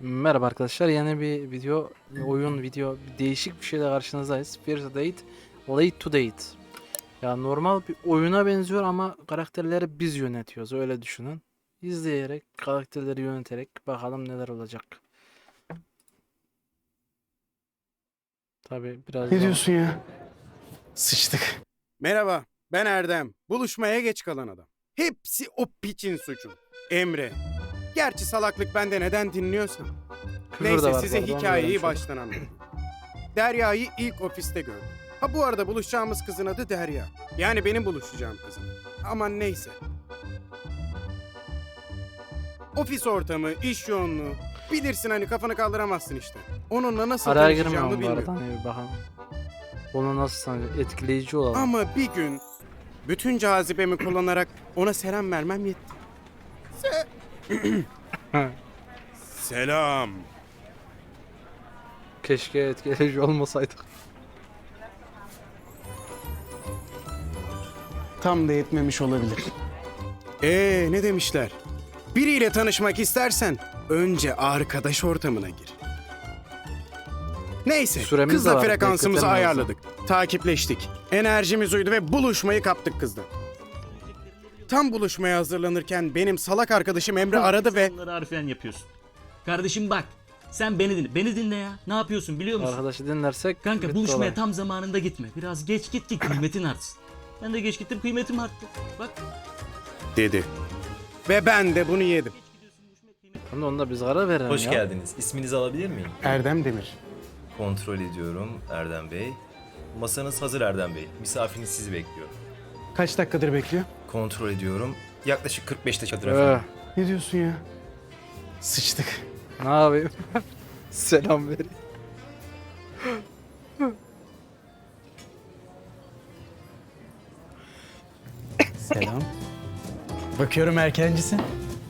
Merhaba arkadaşlar, yeni bir video, bir değişik bir şeyle karşınızdayız. First Date, Late to Date. Ya normal bir oyuna benziyor ama karakterleri biz yönetiyoruz, öyle düşünün. İzleyerek, karakterleri yöneterek bakalım neler olacak. Tabi biraz Ne daha... diyorsun ya? Sıçtık. Merhaba, ben Erdem. Buluşmaya geç kalan adam. Hepsi o piçin suçu. Emre. Gerçi salaklık bende neden dinliyorsam. Küfür de Neyse var size bu arada, onu hikayeyi öğrenmiş olduk. baştan anlatayım. Derya'yı ilk ofiste gördüm. Ha bu arada buluşacağımız kızın adı Derya. Yani benim buluşacağım kızım. Aman neyse. Ofis ortamı, iş yoğunluğu. Bilirsin hani kafanı kaldıramazsın işte. Onunla nasıl Araya tanışacağımı girmiyorum bu arada, bilmiyorum. hani bir bakalım. Onu nasıl etkileyici olalım. Ama bir gün bütün cazibemi kullanarak ona selam vermem yetti. Selam. Keşke etkileyici olmasaydık. Tam da yetmemiş olabilir. Ne demişler? Biriyle tanışmak istersen önce arkadaş ortamına gir. Neyse, Süremiz de kızla var, frekansımızı bekletelim ayarladık. Takipleştik. Enerjimiz uydu ve buluşmayı kaptık kızla. Tam buluşmaya hazırlanırken benim salak arkadaşım Emre aradı ve... Bunları harfiyen yapıyorsun. Kardeşim bak. Sen beni dinle. Beni dinle ya. Ne yapıyorsun biliyor musun? Arkadaşı dinlersek... Kanka bitti buluşmaya olay. tam zamanında gitme. Biraz geç git ki kıymetin artsın. Ben de geç gittim, kıymetim arttı. Bak. dedi. Ve ben de bunu yedim. Onu da onda biz karar verelim Hoş ya. geldiniz. İsminizi alabilir miyim? Erdem Demir. Kontrol ediyorum Erdem Bey. Masanız hazır Erdem Bey. Misafiriniz sizi bekliyor. Kaç dakikadır bekliyor? Kontrol ediyorum. Yaklaşık 45 dakikadır Öh, efendim. Ne diyorsun ya? Sıçtık. ne yapayım? Selam vereyim. Selam. Bakıyorum erkencisin.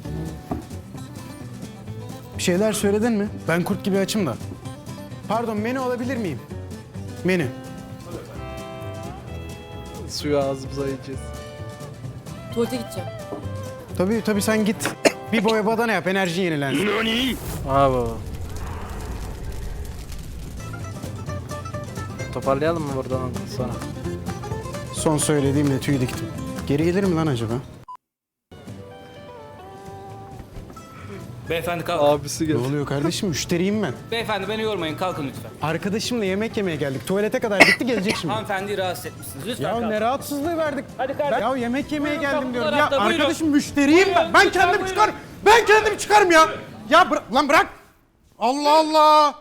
Bir şeyler söyledin mi? Ben kurt gibi açım da. Pardon, menü alabilir miyim? Menü. Suyu ağzımıza yiyeceğiz. Tuvalete gideceğim. Tabii sen git. Bir boya badana yap, enerjin yenilensin. Aa baba. Toparlayalım mı buradan sonra? Son söylediğimle tüy diktim. Geri gelir mi lan acaba? Beyefendi kalk. Abisi Ne geldi. oluyor kardeşim? Müşteriyim ben. Beyefendi beni yormayın, kalkın lütfen. Arkadaşımla yemek yemeye geldik. Tuvalete kadar gitti, gelecek şimdi. Hanımefendiyi rahatsız etmişsiniz. Lütfen Ya kalkın. ne rahatsızlığı verdik. Hadi kardeşim. Ya yemek yemeye Buyurun, geldim diyorum. Ya kapılar açtı, arkadaşım buyurun. müşteriyim ben. Buyurun, Ben lütfen, kendim buyurun. çıkarım. Ben kendim çıkarım ya. Ya lan bırak. Allah Allah.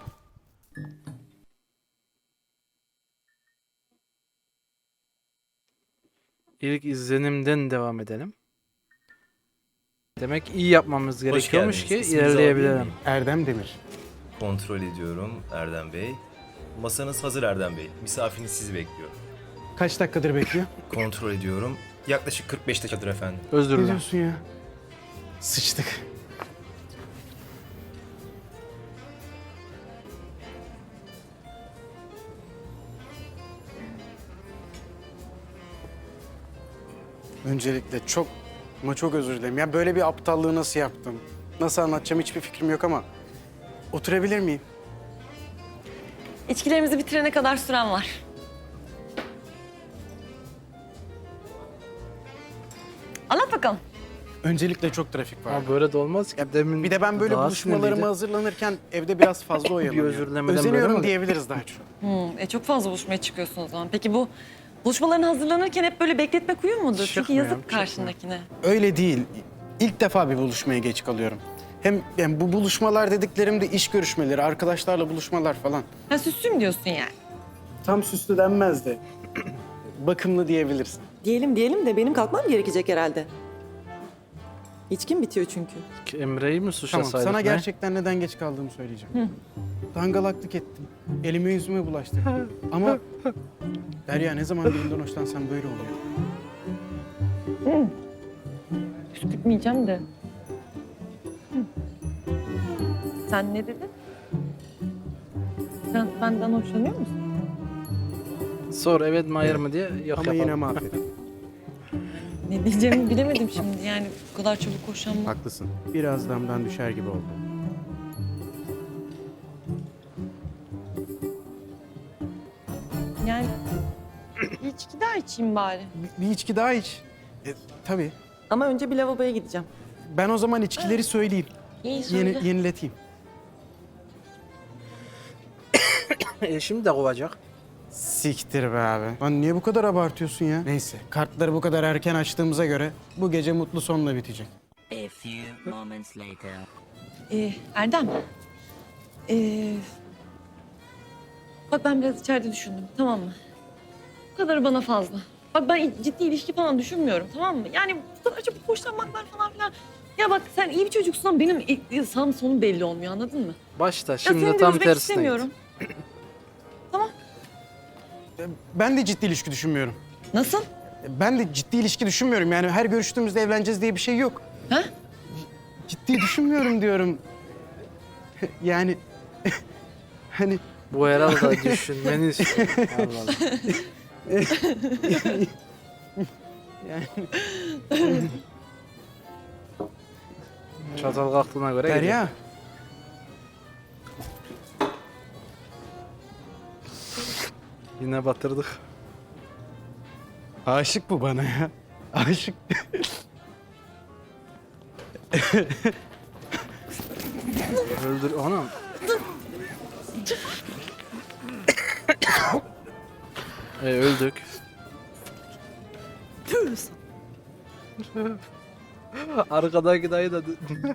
İlk izlenimden devam edelim. Demek iyi yapmamız gerekiyormuş ki geldiniz. İsminizi alabilir ilerleyebilelim. miyim? Erdem Demir. Kontrol ediyorum Erdem Bey. Masanız hazır Erdem Bey. Misafiriniz sizi bekliyor. Kaç dakikadır bekliyor? Kontrol ediyorum. Yaklaşık 45 dakikadır efendim. Özür Ne dilerim. diyorsun ya? Sıçtık. Öncelikle çok özür dilerim. Ya böyle bir aptallığı nasıl yaptım? Nasıl anlatacağım hiçbir fikrim yok ama oturabilir miyim? İçkilerimizi bitirene kadar süren var. Anlat bakalım. Öncelikle çok trafik var. Ama böyle de olmaz ki. Demin Bir de ben böyle daha buluşmalarıma sinirliydi. hazırlanırken evde biraz fazla oyalanıyorum. özürlemeden böyle Özeniyorum mi? diyebiliriz daha çok. Çok fazla buluşmaya çıkıyorsun o zaman. Peki bu buluşmaların hazırlanırken hep böyle bekletmek uyum mudur? Çünkü Çıkmıyorum, yazık karşındakine. Öyle değil. İlk defa bir buluşmaya geç kalıyorum. Hem yani bu buluşmalar dediklerim de iş görüşmeleri, arkadaşlarla buluşmalar falan. Ha süslüyüm diyorsun yani. Tam süslü denmez de bakımlı diyebilirsin. Diyelim de benim kalkmam gerekecek herhalde. İçkim bitiyor çünkü. Emre'yi mi Tamam, suçlasaydık sana ne? gerçekten neden geç kaldığımı söyleyeceğim. Dangalaklık ettim. Elime yüzüme bulaştırdım. Ama Derya ne zaman birinden hoşlansam böyle oluyor. Püskürtmeyeceğim de. Sen ne dedin? Sen benden hoşlanıyor musun? Sor evet mi hayır mı diye yok Ama yapalım. yine mahvettim. Ne diyeceğimi bilemedim şimdi. Yani bu kadar çabuk hoşlanma. Haklısın. Biraz damdan düşer gibi oldu. Yani bir içki daha içeyim bari. Bir içki daha iç. Tabii. Ama önce bir lavaboya gideceğim. Ben o zaman içkileri söyleyeyim. İyi söyle. Yenileteyim. Şimdi de kovacak. Siktir be abi. Lan niye bu kadar abartıyorsun ya? Neyse, kartları bu kadar erken açtığımıza göre bu gece mutlu sonla bitecek. A few moments later. Erdem. Bak ben biraz içeride düşündüm, tamam mı? Bu kadarı bana fazla. Bak ben ciddi ilişki falan düşünmüyorum, tamam mı? Yani bu kadar çabuk hoşlanmaklar falan filan. Ya bak sen iyi bir çocuksun ama benim sağım sonum belli olmuyor, anladın mı? Başta Ya şimdi seni de tam üzmek tersine istemiyorum. Tamam. Ben de ciddi ilişki düşünmüyorum. Nasıl? Ben de ciddi ilişki düşünmüyorum. Yani her görüştüğümüzde evleneceğiz diye bir şey yok. Ha? Ciddi düşünmüyorum diyorum. Yani hani Bu herhalde düşünmeni istiyor. Allah Allah. Çatal kalktığına göre gidiyor. Derya. Yine batırdık. Aşık bu bana ya. Aşık. Öldür anam. Öldük. Arkadaki dayı da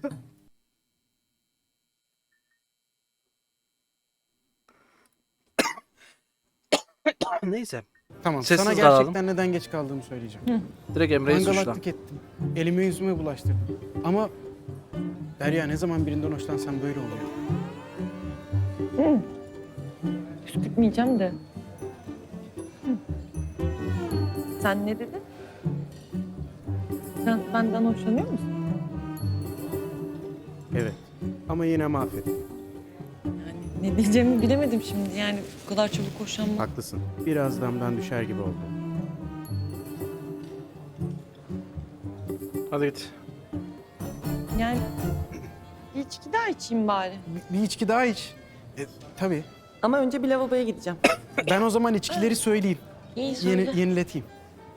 neyse. Tamam, Sessiz sana kalalım. gerçekten neden geç kaldığımı söyleyeceğim. Direkt Emre'yi suçla. Dangalaklık ettim. Elime yüzüme bulaştırdım. Ama Derya ne zaman birinden hoşlansam böyle oluyor. Püskürtmeyeceğim de. Sen ne dedin? Sen benden hoşlanıyor musun? Evet. Ama yine mahvettim. Yani ne diyeceğimi bilemedim şimdi. Yani bu kadar çabuk hoşlanmak. Haklısın. Biraz damdan düşer gibi oldu. Hadi git. Yani bir içki daha içeyim bari. Bir içki daha iç. Tabii. Ama önce bir lavaboya gideceğim. Ben o zaman içkileri söyleyeyim. İyi söyle. Yenileteyim.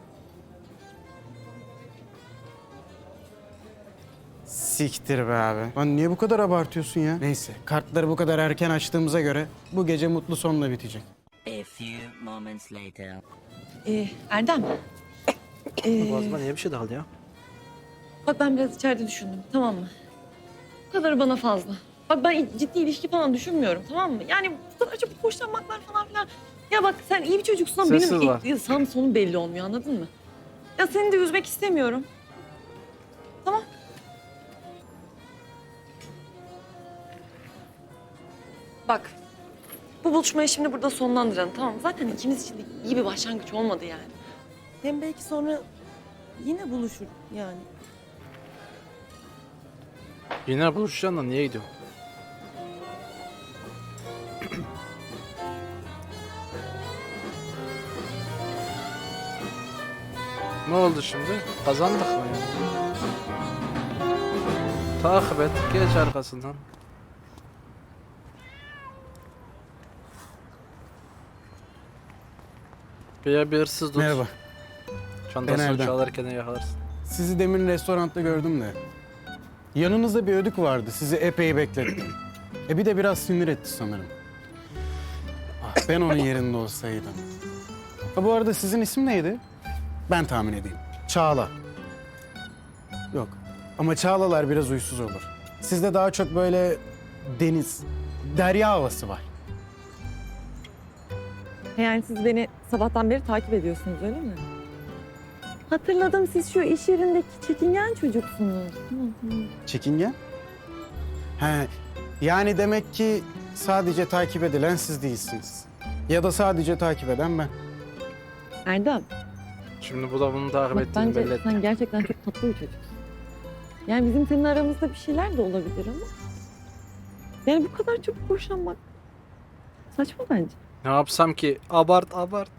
Siktir be abi. Lan niye bu kadar abartıyorsun ya? Neyse, kartları bu kadar erken açtığımıza göre bu gece mutlu sonla bitecek. A few moments later. Erdem. Boğazıma niye bir şey daldı ya? Bak ben biraz içeride düşündüm, tamam mı? Bu kadarı bana fazla. Bak ben ciddi ilişki falan düşünmüyorum, tamam mı? Yani bu kadar çabuk hoşlanmaklar falan filan. Ya bak sen iyi bir çocuksun ama Sessiz var. benim sağım sonum belli olmuyor, anladın mı? Ya seni de üzmek istemiyorum. Tamam. Bak, bu buluşmayı şimdi burada sonlandıralım, tamam mı? Zaten ikimiz için de iyi bir başlangıç olmadı yani. Hem belki sonra yine buluşur yani. Yine buluşacaksın da niye gidiyorsun? Ne oldu şimdi? Kazandık mı yani? Takip et, geç arkasından. Bir hırsız tut. Merhaba. Ben Çantasını Erdem. çalarken yakalarsın. Sizi demin restoranda gördüm de. Yanınızda bir ödük vardı. Sizi epey beklettim. Bir de biraz sinir etti sanırım. Ah, ben onun yerinde olsaydım. Ha, bu arada sizin isim neydi? Ben tahmin edeyim. Çağla. Yok. Ama Çağlalar biraz uysuz olur. Sizde daha çok böyle deniz, derya havası var. Yani siz beni sabahtan beri takip ediyorsunuz öyle mi? Hatırladım, siz şu iş yerindeki çekingen çocuksunuz. Çekingen? He, yani demek ki sadece takip edilen siz değilsiniz. Ya da sadece takip eden ben. Erdem, Şimdi bu da bunu takip bak ettiğini bence belli etti. sen gerçekten çok tatlı bir çocuksun. Yani bizim senin aramızda bir şeyler de olabilir ama... Yani bu kadar çabuk boşanmak saçma bence. Ne yapsam ki? Abart abart.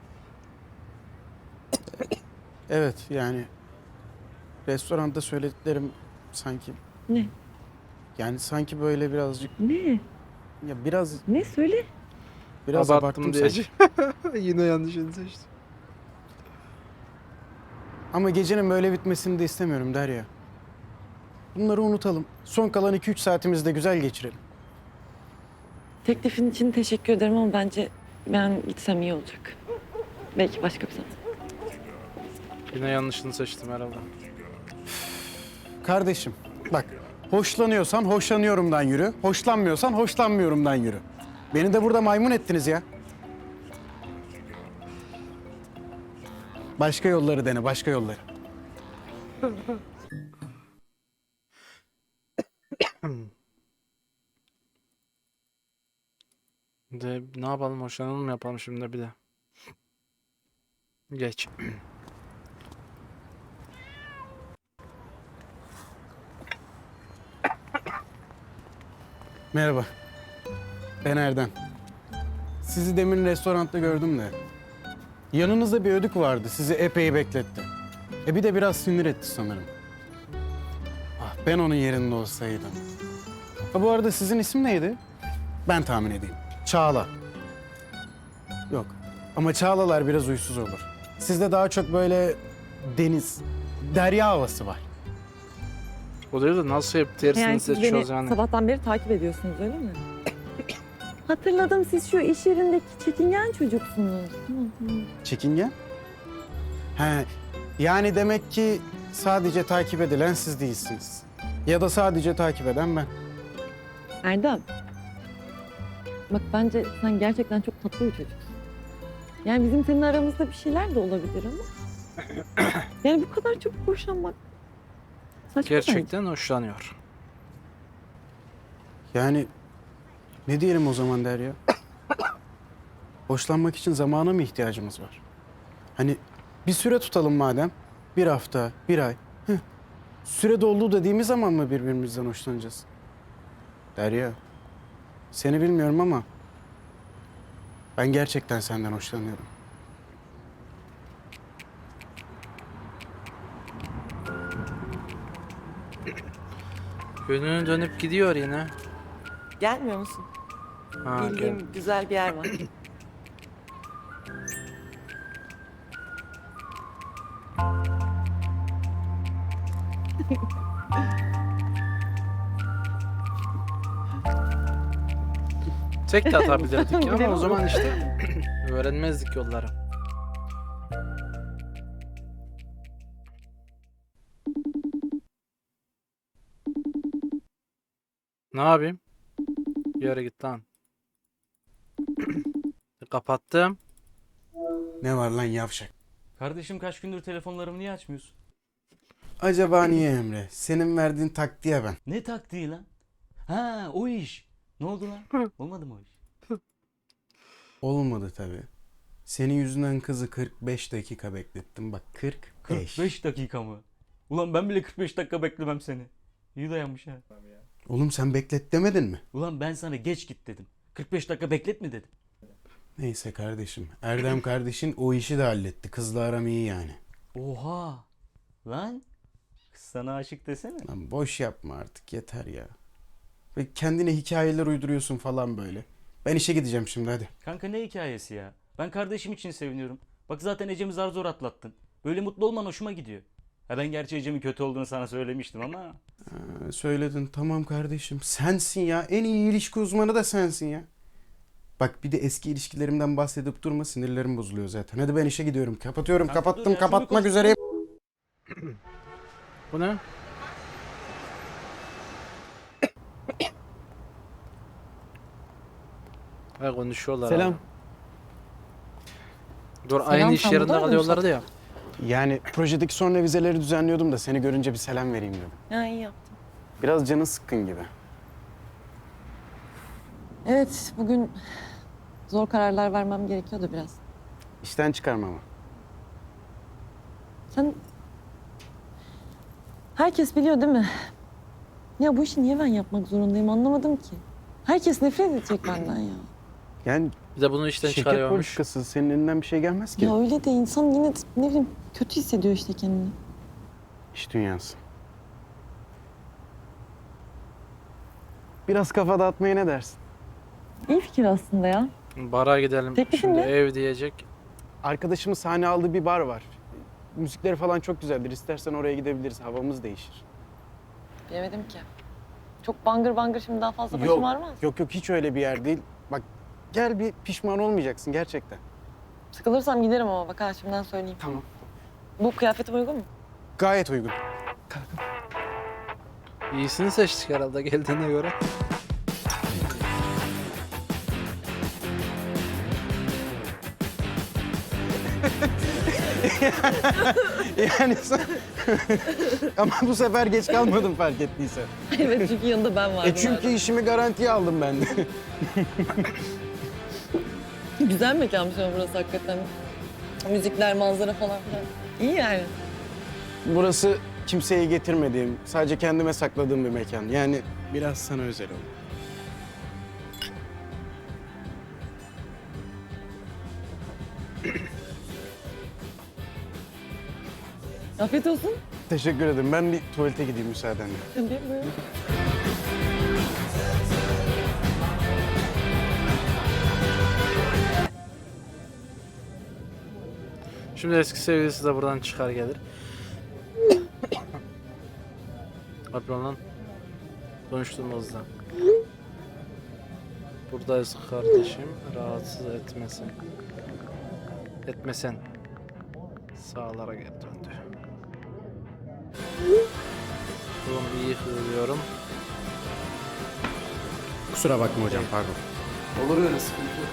Evet, yani restoranda söylediklerim sanki... Ne? Yani sanki böyle birazcık... Ne? Ya biraz... Ne söyle? Biraz abarttım sanki. diyeceğim. Yine yanlışını seçtim. Ama gecenin böyle bitmesini de istemiyorum Derya. Bunları unutalım. Son kalan 2-3 saatimizi de güzel geçirelim. Teklifin için teşekkür ederim ama bence ben gitsem iyi olacak. Belki başka bir zaman. Yine yanlışını seçtim herhalde. Kardeşim bak, hoşlanıyorsan hoşlanıyorumdan yürü. Hoşlanmıyorsan hoşlanmıyorumdan yürü. Beni de burada maymun ettiniz ya. Başka yolları dene, başka yolları. De ne yapalım, hoşlanalım mı yapalım şimdi bir de. Geç. Merhaba. Ben Erdem. Sizi demin restoranda gördüm de. Yanınızda bir ödük vardı. Sizi epey bekletti. Bir de biraz sinir etti sanırım. Ah, ben onun yerinde olsaydım. Ha, bu arada sizin isim neydi? Ben tahmin edeyim. Çağla. Yok. Ama Çağlalar biraz uysuz olur. Sizde daha çok böyle deniz, derya havası var. O değil de nasıl hep tersini Yani siz beni seçiyoruz yani. sabahtan beri takip ediyorsunuz öyle mi? Hatırladım, siz şu iş yerindeki çekingen çocuksunuz. Tamam. Çekingen? He, yani demek ki sadece takip edilen siz değilsiniz. Ya da sadece takip eden ben. Erdem. Bak bence sen gerçekten çok tatlı bir çocuksun. Yani bizim senin aramızda bir şeyler de olabilir ama. Yani bu kadar çok boşanmak saçma bence. Gerçekten hoşlanıyor. Yani ne diyelim o zaman Derya? Hoşlanmak için zamana mı ihtiyacımız var? Hani bir süre tutalım madem. 1 hafta, 1 ay. Süre doldu dediğimiz zaman mı birbirimizden hoşlanacağız? Derya, seni bilmiyorum ama ben gerçekten senden hoşlanıyorum. Yönünü dönüp gidiyor yine. Gelmiyor musun? Ha, Bildiğim güzel bir yer var. Tek de atabilirdik ama Bilemem. o zaman işte öğrenmezdik yolları. Ne yapayım? Bir yere git lan. Kapattım. Ne var lan yavşak? Kardeşim kaç gündür telefonlarımı niye açmıyorsun? Acaba niye Emre? Senin verdiğin taktiğe ben. Ne taktiği lan? Ha o iş. Ne oldu lan? Olmadı mı o iş? Olmadı tabii. Senin yüzünden kızı 45 dakika beklettim. Bak 45. 45 dakika mı? Ulan ben bile 45 dakika beklemem seni. İyi dayanmış ha. Oğlum sen beklet demedin mi? Ulan ben sana geç git dedim. 45 dakika beklet mi dedim. Neyse kardeşim. Erdem kardeşin o işi de halletti. Kızla aram iyi yani. Oha. Lan. Kız sana aşık desene. Lan boş yapma artık yeter ya. Ve kendine hikayeler uyduruyorsun falan böyle. Ben işe gideceğim şimdi hadi. Kanka ne hikayesi ya? Ben kardeşim için seviniyorum. Bak zaten Ecem'i zar zor atlattın. Böyle mutlu olman hoşuma gidiyor. Ha ben gerçi Ecem'in kötü olduğunu sana söylemiştim ama. Söyledin tamam kardeşim. Sensin ya. En iyi ilişki uzmanı da sensin ya. Bak bir de eski ilişkilerimden bahsedip durma, sinirlerim bozuluyor zaten. Hadi ben işe gidiyorum. Kapatıyorum. Kanka dur Kapattım. ya, Kapatmak şunu konuş- üzereyim. Bu ne? Ha, konuşuyorlar. Selam. hala. Dur, aynı iş sen yerinde burada kalıyorlardı ya. Yani projedeki son revizeleri düzenliyordum da seni görünce bir selam vereyim dedim. Ya iyi yaptın. Biraz canı sıkkın gibi. Evet, bugün zor kararlar vermem gerekiyordu biraz. İşten çıkarma ama. Sen... Herkes biliyor değil mi? Ya bu işi niye ben yapmak zorundayım anlamadım ki. Herkes nefret edecek benden ya. Yani Bir de bunu işten şirket çıkarıyormuş. politikası senin elinden bir şey gelmez ki. Ya öyle de insan yine de ne bileyim kötü hissediyor işte kendini. İş dünyası. Biraz kafa dağıtmaya ne dersin? İyi fikir aslında ya. Bara gidelim. Teklifin Şimdi ne? ev diyecek. Arkadaşımın sahne aldığı bir bar var. Müzikleri falan çok güzeldir. İstersen oraya gidebiliriz. Havamız değişir. Bilemedim ki. Çok bangır bangır şimdi daha fazla başım Yok, ağrımaz. yok hiç öyle bir yer değil. Bak gel bir pişman olmayacaksın gerçekten. Sıkılırsam giderim ama bak ha şimdiden söyleyeyim. Tamam. Bu kıyafetim uygun mu? Gayet uygun. İyisini seçtik herhalde geldiğine göre. Yani sen... Ama bu sefer geç kalmadım fark ettiysen. Evet çünkü yanında ben vardım. Çünkü işimi garantiye aldım ben de. Güzel mekanmış ama burası hakikaten. Müzikler, manzara falan filan. İyi yani. Burası kimseye getirmediğim, sadece kendime sakladığım bir mekan. Yani biraz sana özel oldu. Afiyet olsun. Teşekkür ederim. Ben bir tuvalete gideyim müsaadenle. Tabii buyurun. Şimdi eski sevgilisi de buradan çıkar gelir. Abla lan. Konuştuğumuzda. Buradayız kardeşim. Rahatsız etmesin. Etmesen. Sağlara geri döndü. Oğlum iyi hırlıyorum. Kusura bakma hocam, pardon. Olur öyle sıkıntı yok.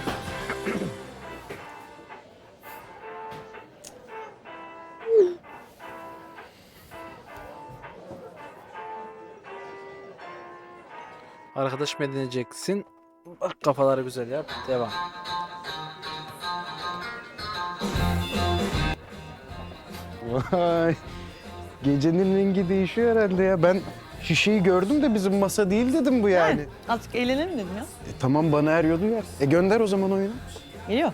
Arkadaş mı edineceksin? Bak kafaları güzel yap. Devam. Vay. Gecenin rengi değişiyor herhalde ya. Ben şişeyi gördüm de bizim masa değil dedim bu yani. Azıcık eğlenelim dedim ya. Tamam bana eriyordu yer. Gönder o zaman oyunu. Geliyor.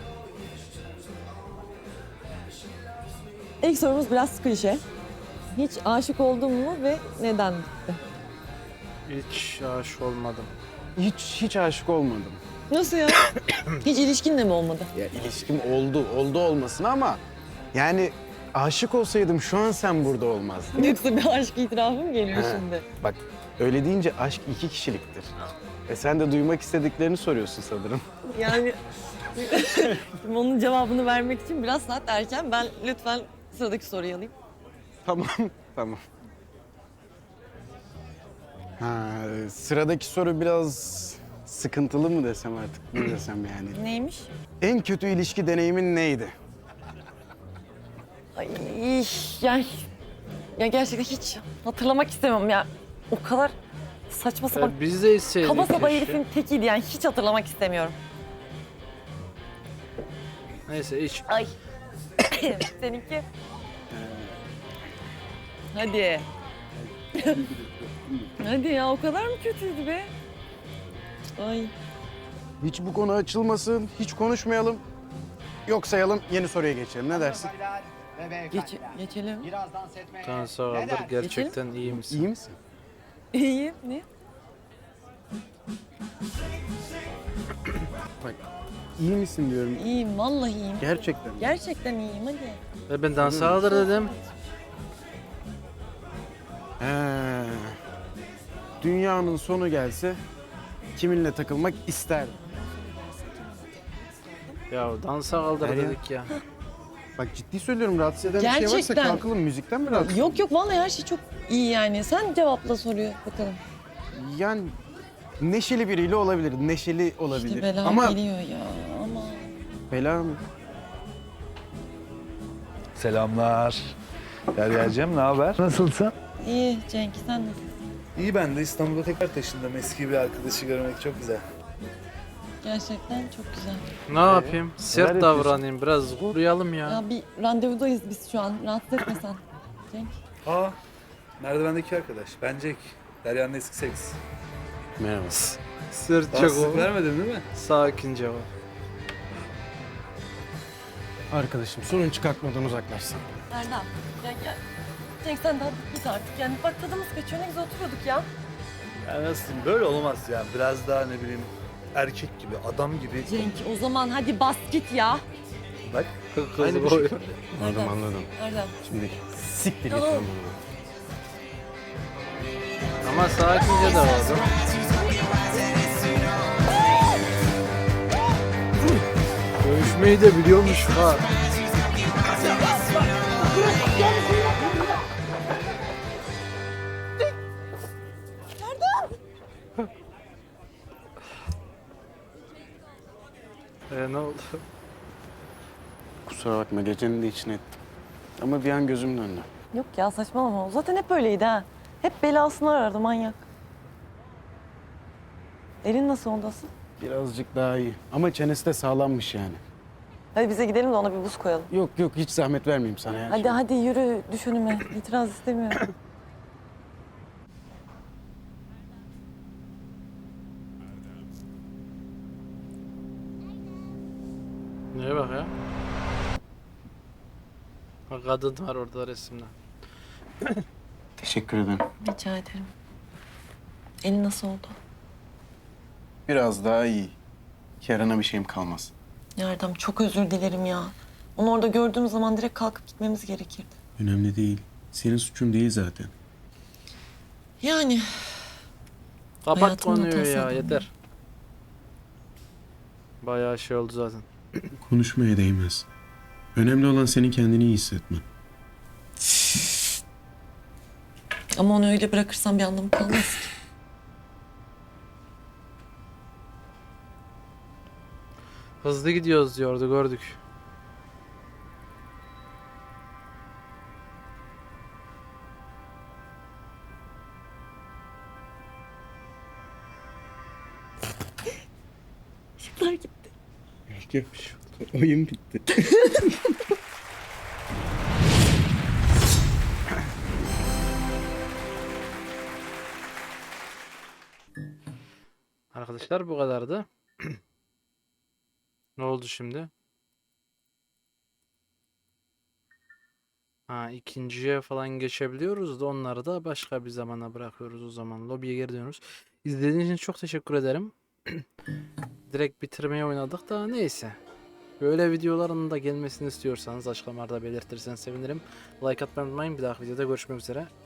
İlk sorumuz biraz klişe. Hiç aşık oldun mu ve neden bitti? Hiç aşık olmadım. Hiç aşık olmadım. Nasıl ya? Hiç ilişkin de mi olmadı? Ya ilişkim oldu olmasın ama yani aşık olsaydım şu an sen burada olmazdın. Yoksa bir aşk itirafı mı geliyor He. şimdi? Bak öyle deyince aşk 2 kişiliktir. Sen de duymak istediklerini soruyorsun sanırım. Yani şimdi onun cevabını vermek için biraz saat erken. Ben lütfen sıradaki soruyu alayım. Tamam, tamam. Ha, sıradaki soru biraz sıkıntılı mı desem artık, ne desem yani. Neymiş? En kötü ilişki deneyimin neydi? Ay yani ya gerçekten hiç hatırlamak istemem ya. O kadar saçma sapan Biz de isteydik. kaba saba keşke. herifin tekiydi yani hiç hatırlamak istemiyorum. Neyse hiç. Ay. Seninki? Hadi. Hadi ya o kadar mı kötüydü be? Ay. Hiç bu konu açılmasın, hiç konuşmayalım. Yok sayalım, yeni soruya geçelim. Ne dersin? Geçelim. Tan sağdır. Gerçekten iyi misin? İyi misin? İyi. Ne? Bak, iyi misin diyorum. İyiyim vallahi iyiyim. Gerçekten. Gerçekten iyiyim hadi. Ve ben dans sağdır dedim. He. Dünyanın sonu gelse kiminle takılmak isterdim. Ya dansa kaldır Derya. dedik ya. Bak ciddi söylüyorum, rahatsız eden bir şey varsa Gerçekten. kalkalım. Müzikten mi rahatsız? Yok vallahi her şey çok iyi yani. Sen cevapla soruyu bakalım. Yani neşeli biriyle olabilir, neşeli olabilir. İşte bela Ama geliyor ya ama. bela mı? Selamlar. Derya'cığım ne haber? Nasılsın? İyi Cenk sen nasılsın? İyi, ben de İstanbul'a tekrar taşındım. Eski bir arkadaşı görmek çok güzel. Gerçekten çok güzel. Ne yapayım? Sert Neler davranayım. Biraz koruyalım ya. Ya bir randevudayız biz şu an. Rahatsız etme sen. Cenk. Aa, merdivendeki arkadaş. Ben Jack. Derya'nın eski seks. Merhaba. Sert Daha çok sık o. vermedin değil mi? Sakin cevap. Arkadaşım sorun çıkartmadan uzaklaşsın. Erdem. Ya. Cenk sen daha git artık. Yani bak tadımız kaçıyor. Ne güzel oturuyorduk ya. Ya nasıl diyeyim, böyle olmaz yani. Biraz daha ne bileyim erkek gibi, adam gibi. Cenk o zaman hadi bas git ya. Bak. Aynı bir bir şey. şey. Anladım anladım. Nereden? Şimdi siktir git Tamam. lan buradan. Ama sakince de oldu. Dövüşmeyi de biliyormuş ha. Ne oldu? Kusura bakma gecenin de içine ettim. Ama bir an gözüm döndü. Yok ya saçmalama. O zaten hep öyleydi ha. Hep belasını arardı manyak. Elin nasıl oldu asıl? Birazcık daha iyi. Ama çenesi de sağlammış yani. Hadi bize gidelim de ona bir buz koyalım. Yok yok hiç zahmet vermeyeyim sana ya. Hadi hadi yürü düş önüme. İtiraz istemiyorum. Neye bak ya? Bak kadın var orada resimde. Teşekkür ederim. Rica ederim. Elin nasıl oldu? Biraz daha iyi. Yarına bir şeyim kalmaz. Yardım çok özür dilerim ya. Onu orada gördüğüm zaman direkt kalkıp gitmemiz gerekirdi. Önemli değil. Senin suçun değil zaten. Yani Kapat Hayatımın konuyu hatası ya adam yeter. Bayağı şey oldu zaten. Konuşmaya değmez. Önemli olan senin kendini iyi hissetmen. ama onu öyle bırakırsam bir anlamı kalmaz ki. Hızlı gidiyoruz diyordu gördük. Işıklar gitti. Yapmış. Oyun bitti. Arkadaşlar bu kadardı. Ne oldu şimdi? Ha ikinciye falan geçebiliyoruz da onları da başka bir zamana bırakıyoruz o zaman. Lobiye geri dönüyoruz. İzlediğiniz için çok teşekkür ederim. Direkt bitirmeye oynadık da neyse. Böyle videoların da gelmesini istiyorsanız açıklamalarda belirtirseniz sevinirim. Like atmayı unutmayın. Bir dahaki videoda görüşmek üzere.